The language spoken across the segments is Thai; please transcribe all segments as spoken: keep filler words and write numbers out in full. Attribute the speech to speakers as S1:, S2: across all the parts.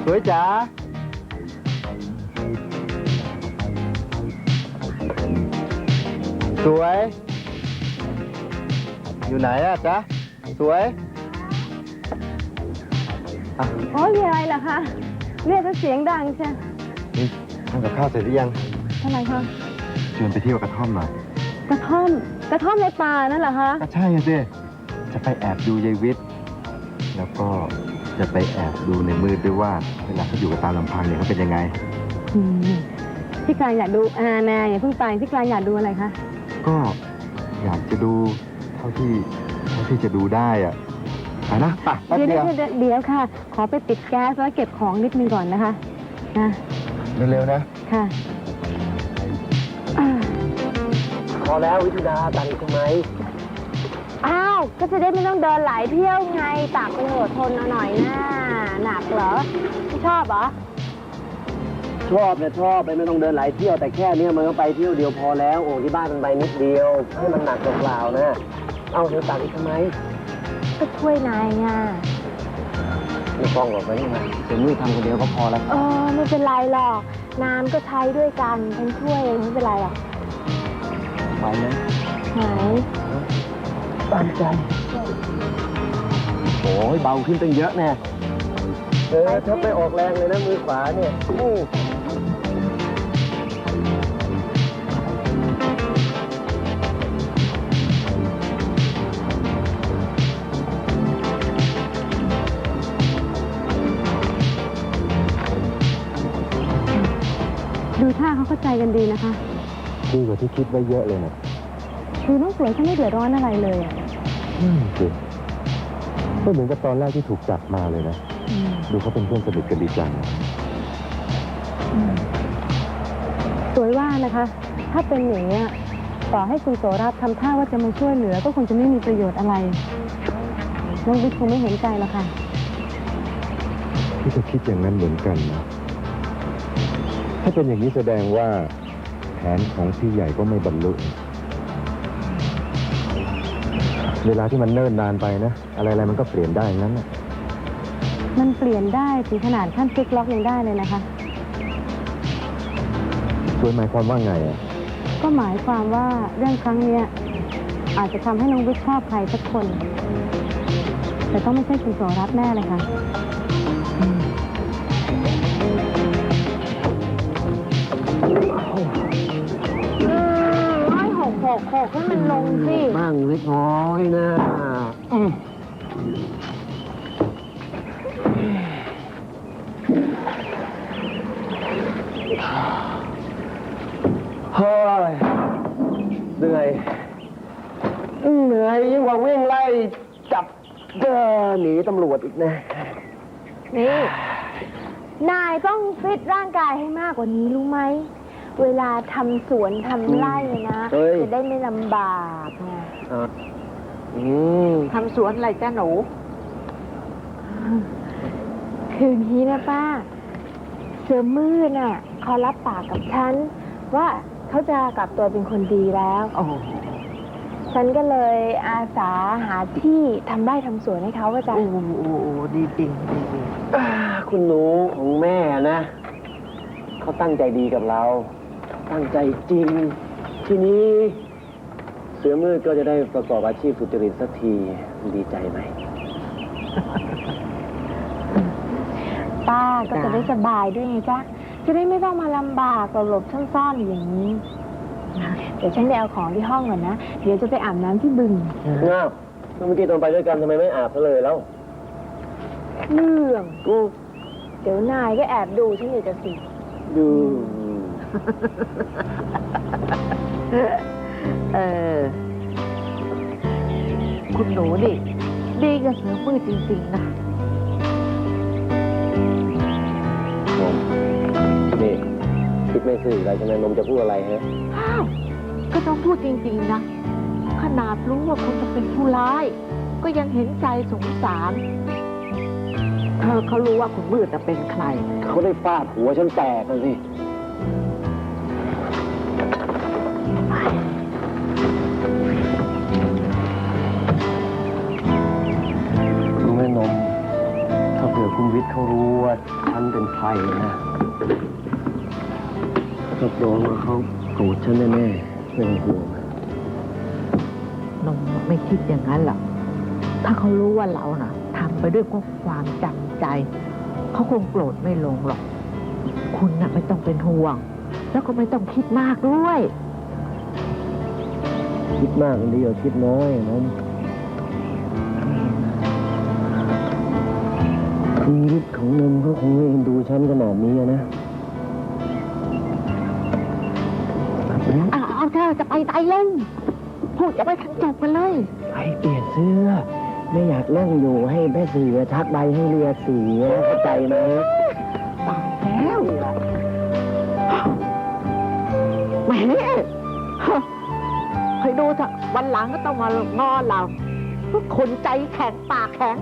S1: สวยจ๋าสวยอยู่ไหนอะจ๊ะสวยอ่ะ
S2: โอ้ยมีอะไรเหรอคะเรียกเสียงดังใช่
S1: นี่ทำกับข้าวเสร็จหรือยัง
S2: ทำไมคะ
S1: ชวนไปเที่ยวกระท่อมหน่อย
S2: กระท่อมกระท่อมในป่านั่นเหรอคะ
S1: ก็ใช่สิจะไปแอบดูยายวิทย์แล้วก็จะไปแอบดูในมืดด้วยว่าเวลาเขาอยู่กับตามลำพังเนี่ยเขาเป็นยังไง
S2: อืมพี่กลางอยากดูอานาอย่าเพิ่งไปพี่กลางอยากดูอะไรคะ
S1: ก็อยากจะดูเท่าที่เท่าที่จะดูได้อะไปนะไปแป๊บ
S2: เดี๋ยว
S1: เดียว
S2: เดี๋ยวเดี๋ยวค่ะ ขอไปปิดแก๊สแล้วเก็บของนิดนึงก่อนนะคะนะ
S1: เร็วๆนะ
S2: ค่ะอ่า
S1: พอแล้ววิทยาตังค์ใช่ไหม
S2: อ้าวก็จะได้ไม่ต้องเดินหลายเที่ยวไงตากไปเถอะทนเอาหน่อยนะหนักเหรอไม่ชอบเหรอ
S3: ชอบเนี่ยชอบไปไม่ต้องเดินหลายเที่ยวแต่แค่เนี้ยมันก็ไปเที่ยวเดียวพอแล้วโอ้ที่บ้านมันไปนิดเดียวให้มันหนักเปล่าๆนะเอาเธอตัดอีกทำไม
S2: ก็ช่วยนายไง
S3: ไม่ต้องหรอกไปนี่มาเดี๋ยวมือทำคนเดียวก็พอแล้ว
S2: เออไม่เป็นไรหรอกน้ำก็ใช้ด้วยกันฉันช่วยเองไม่เป็นไรหรอก
S3: ไปนะ
S2: ไหน
S3: ตามใจโอ้ยเบาขึ้นตั้งเยอะแน่เออถ้าไปออกแรงเลยนะมือขวาเนี่ยอู้
S2: ดูท่าเขาเข้าใจกันดีนะคะ
S1: ดีกว่าที่คิดไว้เยอะเลยนะ
S2: คือน้องสวยเขาไม่เดือดร้อนอะไรเลยอ่ะ
S1: อืมสิก็เหมือนกับตอนแรกที่ถูกจับมาเลยนะ
S2: อืม
S1: ดูเขาเป็นเพื่อนสนิทกันดีจัง
S2: อืมสวยว่านะคะ ถ้าเป็นอย่างนี้ยต่อให้คุณโสรัตน์ทำท่าว่าจะมาช่วยเหลือ ก็คงจะไม่มีประโยชน์อะไรน้องวิทย์คงไม่เห็นใจหรอกค่ะ
S1: พี่ก็คิดอย่างนั้นเหมือนกันนะ ถ้าเป็นอย่างนี้แสดงว่าแผนของพี่ใหญ่ก็ไม่บรรลุเวลาที่มันเนิ่นนานไปนะ อะไรๆมันก็เปลี่ยนได้อย่างนั้นนะ
S2: มันเปลี่ยนได้ถึงขนาดขั้นพลิกล็อกยังได้เลยนะคะ
S1: ช่วยหมายความว่าไงอ่ะ
S2: ก็หมายความว่าเรื่องครั้งเนี้ยอาจจะทำให้น้องวิทย์ชอบใครสักคน แต่ต้องไม่ใช่คุณโสรัตน์แน่เลยค่ะอืม ร้อยหกหกหกให้มันลงสิ
S3: บ้างเล็กน้อยนะอืมเฮ้ยเหนื่อยเหนื่อยยิ่งกว่าวิ่งไล่จับเดินหนีตำรวจอีกนะ
S2: นี่ นายต้องฟิตร่างกายให้มากกว่านี้รู้ไหม เวลาทำสวนทำไร่นะ
S3: เฮ้ย
S2: จะได้ไม่ลำบากไง
S3: อ่ะอืม
S2: ทำสวนอะไรจ้าหนู คืนนี้นะป้า เสือมืดน่ะเขารับปากกับฉัน ว่าเขาจะกลับตัวเป็นคนดีแล้ว ฉันก็เลยอาสาหาที่ทำไร่ทำสวนให้เขาว่าจ้ะ
S4: โอ้โหดีจริงดีจริง
S3: อ่าคุณหนูของแม่นะ เขาตั้งใจดีกับเรา ตั้งใจจริง ทีนี้ เสือมืดก็จะได้ประกอบอาชีพสุจริตสักทีดีใจไหม
S2: ป้าก็จะได้สบายด้วยไงจ๊ะ จะได้ไม่ต้องมาลำบากหลบๆซ่อนๆอย่างนี้ เดี๋ยวฉันไปเอาของที่ห้องก่อนนะ เดี๋ยวจะไปอาบน้ำที่บึง
S3: ง้าวเมื่อกี้ตอนไปด้วยกันทำไมไม่อาบซะเลยแล้ว
S2: เรื่องกูเดี๋ยวนายก็แอบดูฉันอยู่จะสิ
S3: ดู
S4: เออ คุณหนูดิดีกับเสือมืดจริงๆนะ
S3: นมนี่คิดไม่ซื่ออะไรใช่ไหมนมจะพูดอะไรฮะ
S4: อ้าว ก็ต้องพูดจริงๆนะ ขนาดรู้ว่าคุณจะเป็นผู้ร้าย ก็ยังเห็นใจสงสาร เธอเขารู้ว่าคุณมืดจะเป็นใคร
S3: เขาได้ฟาดหัวฉันแตกเลยสิ รู้ไหมนม ถ้าเผื่อคุณวิทย์เขารู้ว่าฉันเป็นภัยนะรับรองว่าเขาโกรธฉันแน่ๆไม่ต้องห่วง
S4: นงไม่คิดอย่างนั้นหรอกถ้าเขารู้ว่าเราน่ะทำไปด้วยความจำใจ เขาคงโกรธไม่ลงหรอก คุณน่ะไม่ต้องเป็นห่วง แล้วก็ไม่ต้องคิดมากด้วย
S3: คิดมากดีกว่าคิดน้อยนะชีวิตของนมเขาคงไม่เอ็นดูฉันขนาดนี้อะนะ
S4: อ่ะเอาเธอจะไปไหนเล่นพูดจะไปทันจบกันเลย
S3: ไปเปลี่ยนเสื้อ ไม่อยากนั่งอยู่ให้แม่เสือทักใบให้เรือเสียเข้าใจไหม
S4: ตายแล้วแหมเคยดูเถอะวันหลังก็ต้องมางอเราพวกคนใจแข็งปากแข็ง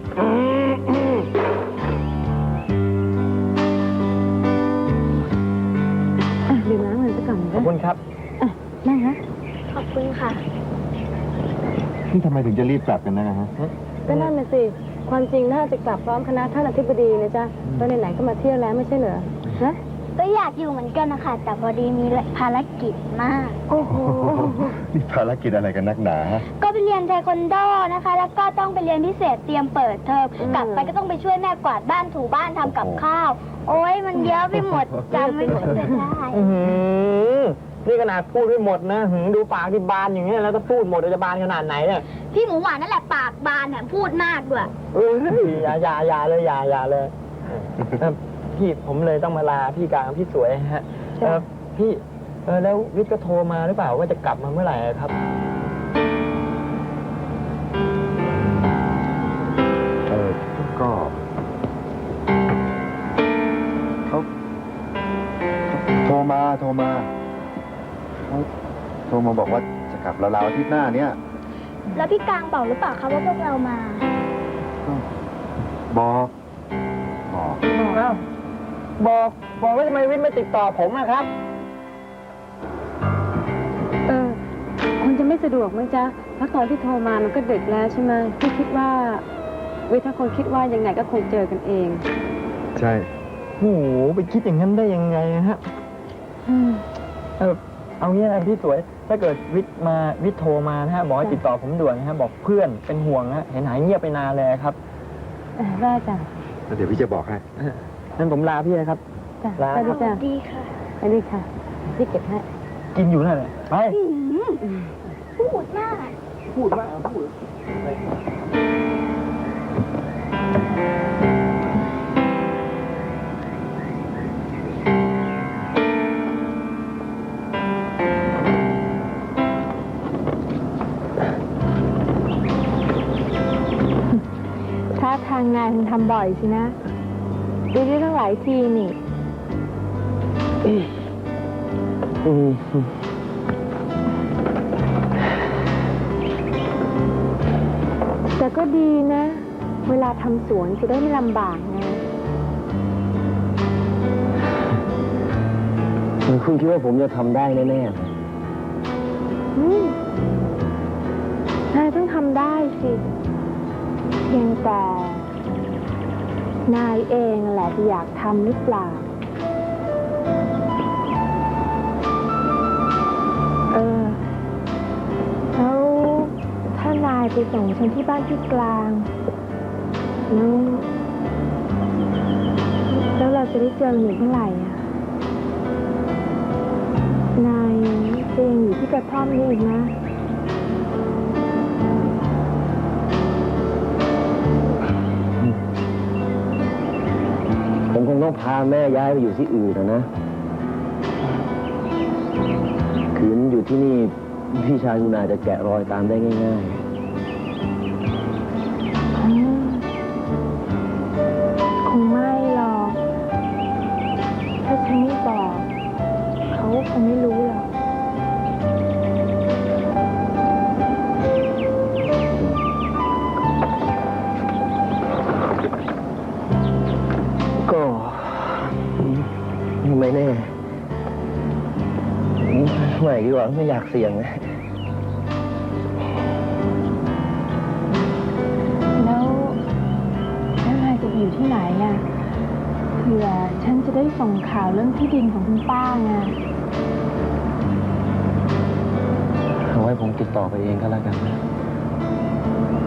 S2: ดื่มน้ำมันซะก่อน
S3: ขอบคุณครับ
S2: นั่งนะขอบคุณค่ะ
S1: นี่ทำไมถึงจะรีบกลับกันนะฮะ
S2: ก็นั่นน่ะสิ ความจริงน่าจะกลับพร้อมคณะท่านอธิบดีนะจ๊ะตอนไหนๆก็มาเที่ยวแล้วไม่ใช่เหรอฮะ
S5: ก็อยากอยู่เหมือนกันนะคะ แต่พอดีมีภารกิจมาก
S2: โอ้โห
S1: นี่ภารกิจอะไรกันนักหนาฮะ
S5: ก็ไปเรียนเทควันโดนะคะ แล้วก็ต้องไปเรียนพิเศษเตรียมเปิดเทอม
S2: อืม
S5: กลับไปก็ต้องไปช่วยแม่กวาดบ้านถูบ้านทำกับข้าว โอ๊ยมันเยอะไปหมดจำไม่หมดเลยได้
S3: อื้อหือนี่ขนาดพูดไม่หมดนะหือดูปากที่บานอย่างเงี้ยแล้วก็พูดหมดจะบานขนาดไหนเนี่ย
S5: พี่หมูหวานนั่นแหละปากบานแถมพูดมากด้วย
S3: เอ้ยอย่าอย่าอย่าเลยอย่าอย่าเลยเอ่อพี่ผมเลยต้องมาลาพี่กลางพี่สวยฮะเออพี่เออแล้ววิทย์ก็โทรมาหรือเปล่าว่าจะกลับมาเมื่อไหร่ครับ
S1: เออก็เขาโทรมาโทรมาเขาโทรมาบอกว่าจะกลับราวๆอาทิตย์หน้าเนี้ย
S5: แล้วพี่กลางบอกหรือเปล่าคะว่าพวกเรามา
S1: บอกบอก
S3: อ้าวบอกบอกว่าทำไมวิทย์ไม่ติดต่อผมอะครับ
S2: เออคงจะไม่สะดวกมั้งจ๊ะเพราะตอนที่โทรมามันก็ดึกแล้วใช่ไหมพี่คิดว่าวิทย์ถ้าคนคิดว่ายังไงก็คงเจอกันเอง
S1: ใช่
S3: โอ้โหไปคิดอย่างนั้นได้ยังไงฮะ
S2: อืม
S3: เออเอางี้นะพี่สวย ถ้าเกิดวิทย์มาวิทย์โทรมานะฮะบอกให้ติดต่อผมด่วนนะฮะบอกเพื่อนเป็นห่วงนะฮะเห็นหายเงียบไปนานเลยครับ
S2: เออได้จ้ะ
S1: แล้วเดี๋ยวพี่จะบอกให้
S3: งั้นผมลาพี่นะครับ
S2: จ้ะ
S3: ลา
S2: ไป
S5: ส
S2: ดี
S5: วั
S2: จ้ะ
S5: สดีค่ะ
S2: ไปดีค่ะพี่เก็บให้
S3: กินอยู่นั่นแหละไป
S5: พูดมาก
S3: พูดว่าพูด
S2: ถ้าทางงานคงทำบ่อยสินะดูได้ตั้งหลายทีนี่
S3: อืม
S2: แต่ก็ดีนะ เวลาทำสวนจะได้ไม่ลำบากไง
S3: คุณคิดว่าผมจะทำได้แน่
S2: อืมนายต้องทำได้สิ เพียงแต่นายเองแหละจะอยากทำหรือเปล่า เออ แล้วถ้านายไปส่งฉันที่บ้านที่กลาง แล้วแล้วเราจะได้เจอกันอีกเมื่อไหร่อ่ะ นายจะยังอยู่ที่กระท่อมนี้อีกนะ
S3: ๆผมคงต้องพาแม่ย้ายไปอยู่ที่อื่นนะนะขืนอยู่ที่นี่พี่ชายคุณอาจจะแกะรอยตามได้ง่าย
S2: อืมคงไม่หรอก ถ้าฉันไม่บอก เขาคงไม่รู้หรอก
S3: ๆก็ไม่แน่ไม่ดีกว่าไม่อยากเสี่ยงนะ
S2: แล้วแล้วนายจะอยู่ที่ไหนอ่ะเผื่อฉันจะได้ส่งข่าวเรื่องที่ดินของคุณป้าไง
S3: เอาไว้ผมติดต่อไปเองก็แล้วกันนะ